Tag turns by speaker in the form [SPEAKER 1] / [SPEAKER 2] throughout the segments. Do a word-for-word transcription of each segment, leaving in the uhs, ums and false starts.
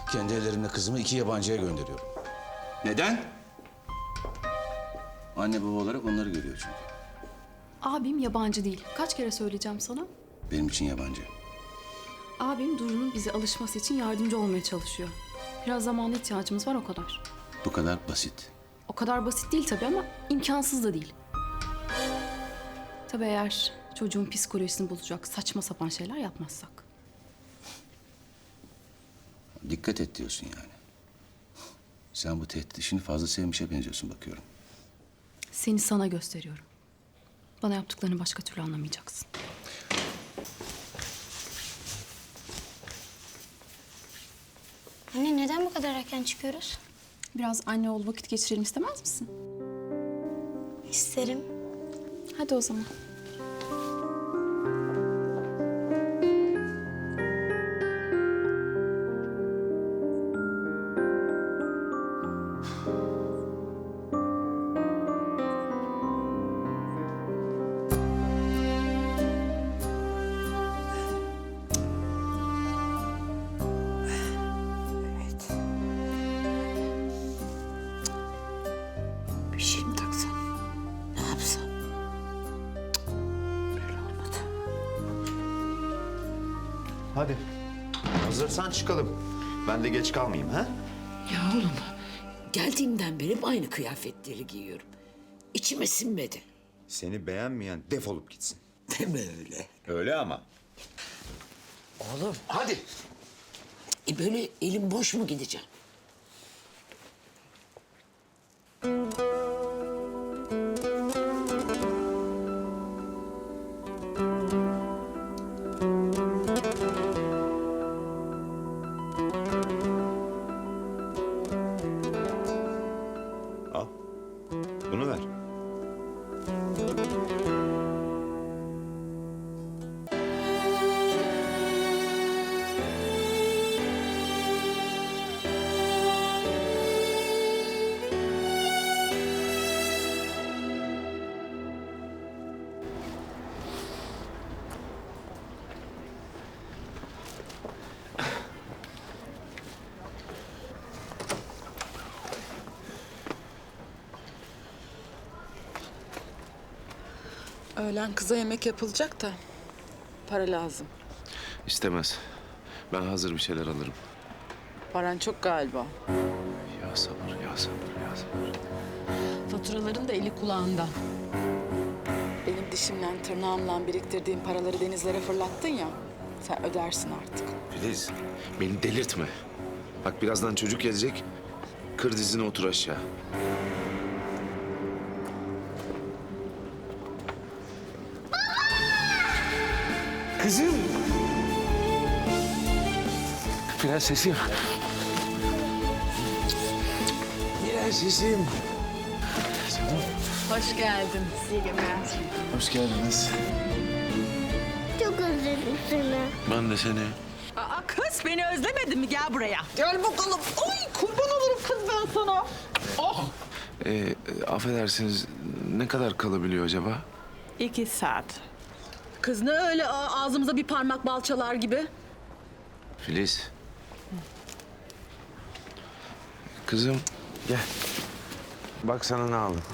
[SPEAKER 1] Kendi ellerimle kızımı iki yabancıya gönderiyorum.
[SPEAKER 2] Neden? Anne baba olarak onları görüyor çünkü.
[SPEAKER 3] Abim yabancı değil. Kaç kere söyleyeceğim sana?
[SPEAKER 2] Benim için yabancı.
[SPEAKER 3] Abim Duru'nun bize alışması için yardımcı olmaya çalışıyor. Biraz zamana ihtiyacımız var, o kadar.
[SPEAKER 2] Bu kadar basit.
[SPEAKER 3] O kadar basit değil tabii ama imkansız da değil. Tabii eğer çocuğun psikolojisini bozacak saçma sapan şeyler yapmazsak.
[SPEAKER 2] Dikkat et diyorsun yani. Sen bu tehdit işini fazla sevmişe benziyorsun bakıyorum.
[SPEAKER 3] Seni sana gösteriyorum. Bana yaptıklarını başka türlü anlamayacaksın.
[SPEAKER 4] Anne neden bu kadar erken çıkıyoruz?
[SPEAKER 3] Biraz anne oğul vakit geçirelim istemez misin?
[SPEAKER 4] İsterim.
[SPEAKER 3] Hadi o zaman.
[SPEAKER 5] Bir şey mi taksam? Ne yapsam? Cık, böyle olmadı.
[SPEAKER 6] Hadi. Hazırsan çıkalım. Ben de geç kalmayayım ha?
[SPEAKER 5] Ya oğlum, geldiğimden beri hep aynı kıyafetleri giyiyorum. İçime sinmedi.
[SPEAKER 6] Seni beğenmeyen defolup gitsin.
[SPEAKER 5] Deme öyle.
[SPEAKER 6] Öyle ama.
[SPEAKER 5] Oğlum,
[SPEAKER 6] Hadi.
[SPEAKER 5] e böyle elim boş mu gideceğim?
[SPEAKER 6] Al. Bunu ver.
[SPEAKER 7] Öğlen kıza yemek yapılacak da para lazım.
[SPEAKER 8] İstemez. Ben hazır bir şeyler alırım.
[SPEAKER 7] Paran çok galiba.
[SPEAKER 8] Ya sabır, ya sabır, ya sabır.
[SPEAKER 7] Faturaların da eli kulağında. Benim dişimle tırnağımla biriktirdiğim paraları denizlere fırlattın ya. Sen ödersin artık.
[SPEAKER 8] Filiz, beni delirtme. Bak birazdan çocuk gelecek. Kır dizine otur aşağı. Kızım. Prensesim. Prensesim.
[SPEAKER 7] Hoş geldin.
[SPEAKER 8] Hoş geldiniz.
[SPEAKER 4] Çok özledim seni.
[SPEAKER 8] Ben de seni.
[SPEAKER 7] Aa kız beni özlemedin mi? Gel buraya. Gel bakalım. Ay kurban olurum kız ben sana. Oh.
[SPEAKER 8] Ee, e, affedersiniz, ne kadar kalabiliyor acaba?
[SPEAKER 7] İki saat. Kız ne öyle a- ağzımıza bir parmak balçalar gibi?
[SPEAKER 8] Filiz. Kızım, gel. Bak sana ne aldım.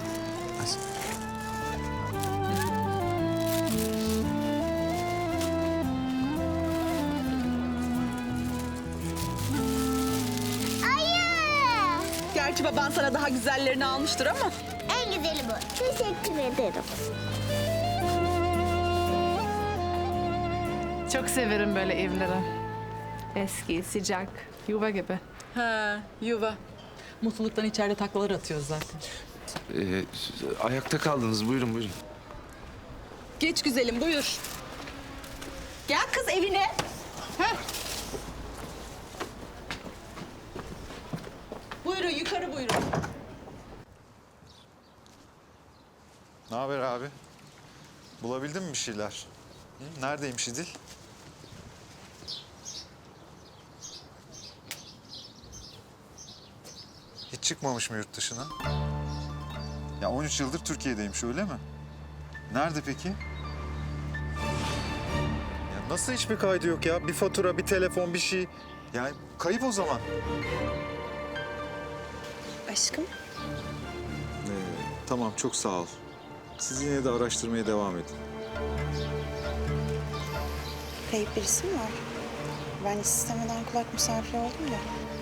[SPEAKER 7] Gerçi baban sana daha güzellerini almıştır ama.
[SPEAKER 4] En güzeli bu. Teşekkür ederim.
[SPEAKER 9] Çok severim böyle evleri. Eski, sıcak, yuva gibi.
[SPEAKER 7] Ha, yuva. Mutluluktan içeride taklalar atıyoruz zaten.
[SPEAKER 8] Ee, ayakta kaldınız, buyurun buyurun.
[SPEAKER 7] Geç güzelim, buyur. Gel kız evine. Heh. Buyurun, yukarı buyurun.
[SPEAKER 10] Ne haber abi? Bulabildin mi bir şeyler? Hı? Neredeymiş İdil? Hiç çıkmamış mı yurt dışına? Ya on üç yıldır Türkiye'deymiş öyle mi? Nerede peki? Ya nasıl hiçbir kaydı yok ya? Bir fatura, bir telefon, bir şey. Yani kayıp o zaman.
[SPEAKER 11] Aşkım.
[SPEAKER 10] Ee, tamam, çok sağ ol. Siz yine de araştırmaya devam edin.
[SPEAKER 11] Kayıp birisi mi var? Ben hiç istemeden kulak misafiri oldum da.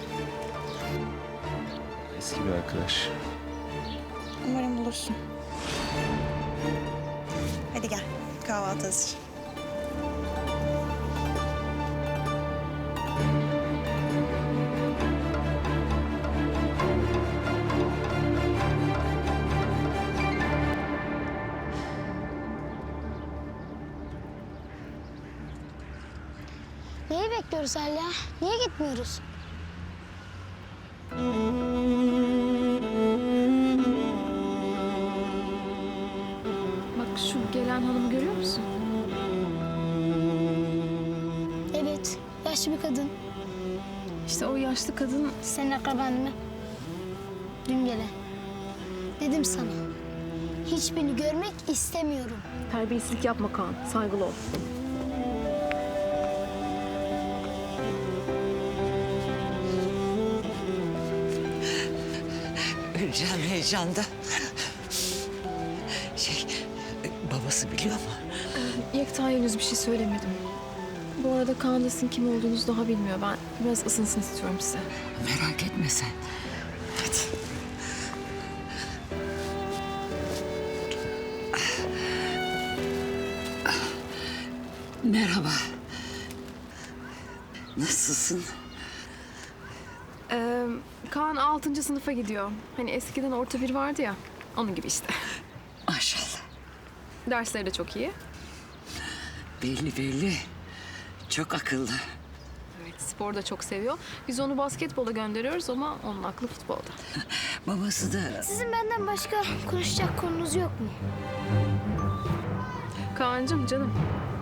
[SPEAKER 2] Eski bir arkadaş.
[SPEAKER 11] Umarım bulursun. Hadi gel. Kahvaltı hazır.
[SPEAKER 4] Neyi bekliyoruz hala? Niye gitmiyoruz?
[SPEAKER 3] Bak şu gelen hanımı görüyor musun?
[SPEAKER 4] Evet, yaşlı bir kadın.
[SPEAKER 3] İşte o yaşlı kadın
[SPEAKER 4] Senin akraban mı? Dün gelen. Dedim sana. Hiçbirini görmek istemiyorum.
[SPEAKER 3] terbiyesizlik yapma Kaan. Saygılı ol.
[SPEAKER 5] Öleceğim heyecanda. Şey, babası biliyor mu?
[SPEAKER 3] Yekta henüz bir şey söylemedim. Bu arada Kaan da sizin kim olduğunuzu daha bilmiyor. Ben biraz ısınsın istiyorum size.
[SPEAKER 5] Merak etme sen. Hadi. Merhaba. Nasılsın?
[SPEAKER 3] Ee, Kaan altıncı sınıfa gidiyor. Hani eskiden orta bir vardı ya. Onun gibi işte.
[SPEAKER 5] Maşallah.
[SPEAKER 3] Dersleri de çok iyi.
[SPEAKER 5] Belli belli. Çok akıllı.
[SPEAKER 3] Evet, spor da çok seviyor. Biz onu basketbola gönderiyoruz ama onun aklı futbolda.
[SPEAKER 5] Babası da
[SPEAKER 4] Sizin benden başka konuşacak konunuz yok mu?
[SPEAKER 3] Kaan'cığım canım.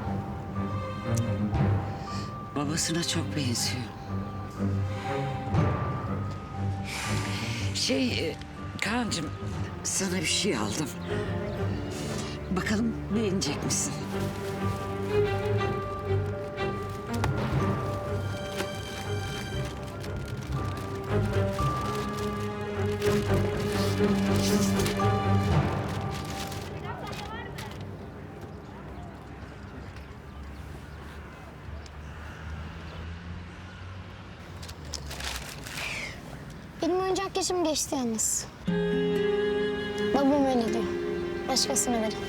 [SPEAKER 5] babasına çok benziyor. Şey, e, Kaan'cığım sana bir şey aldım. Bakalım beğenecek misin?
[SPEAKER 4] Benim oyuncak yaşım geçti yalnız. Babam öyle diyor. Başkasına verin.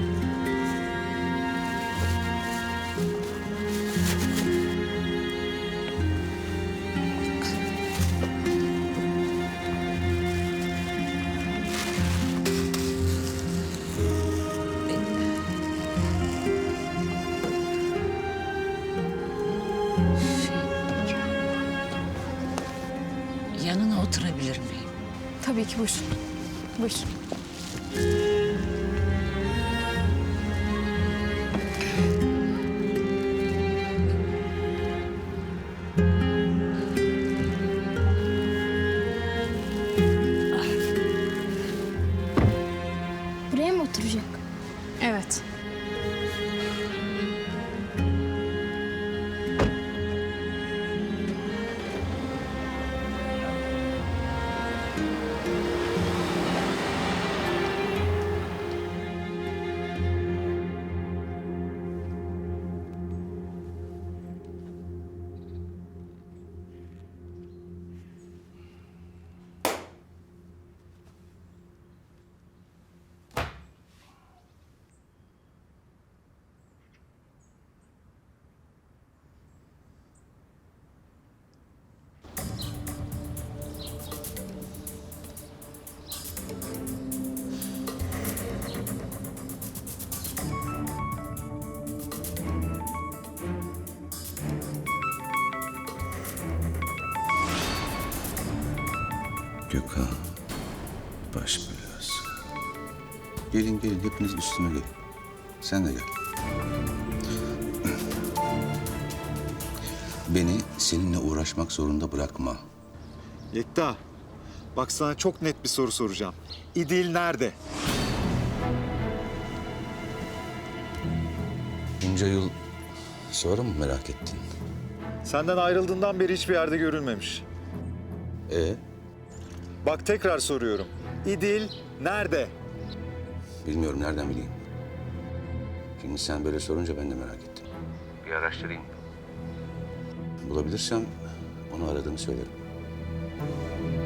[SPEAKER 5] Yanına oturabilir miyim?
[SPEAKER 3] Tabii ki buyurun. Buyurun.
[SPEAKER 4] Buraya mı oturacak?
[SPEAKER 3] Evet.
[SPEAKER 2] Gökhan, baş belası. Gelin gelin, hepiniz üstüme gelin. Sen de gel. Beni seninle uğraşmak zorunda bırakma.
[SPEAKER 10] Yekta, bak sana çok net bir soru soracağım. İdil nerede?
[SPEAKER 2] Bunca yıl sonra mı merak ettin?
[SPEAKER 10] Senden ayrıldığından beri hiçbir yerde görülmemiş.
[SPEAKER 1] Ee,
[SPEAKER 10] Bak tekrar soruyorum. İdil nerede?
[SPEAKER 1] bilmiyorum nereden bileyim. Şimdi sen böyle sorunca ben de merak ettim. Bir araştırayım. Bulabilirsem onu aradığını söylerim.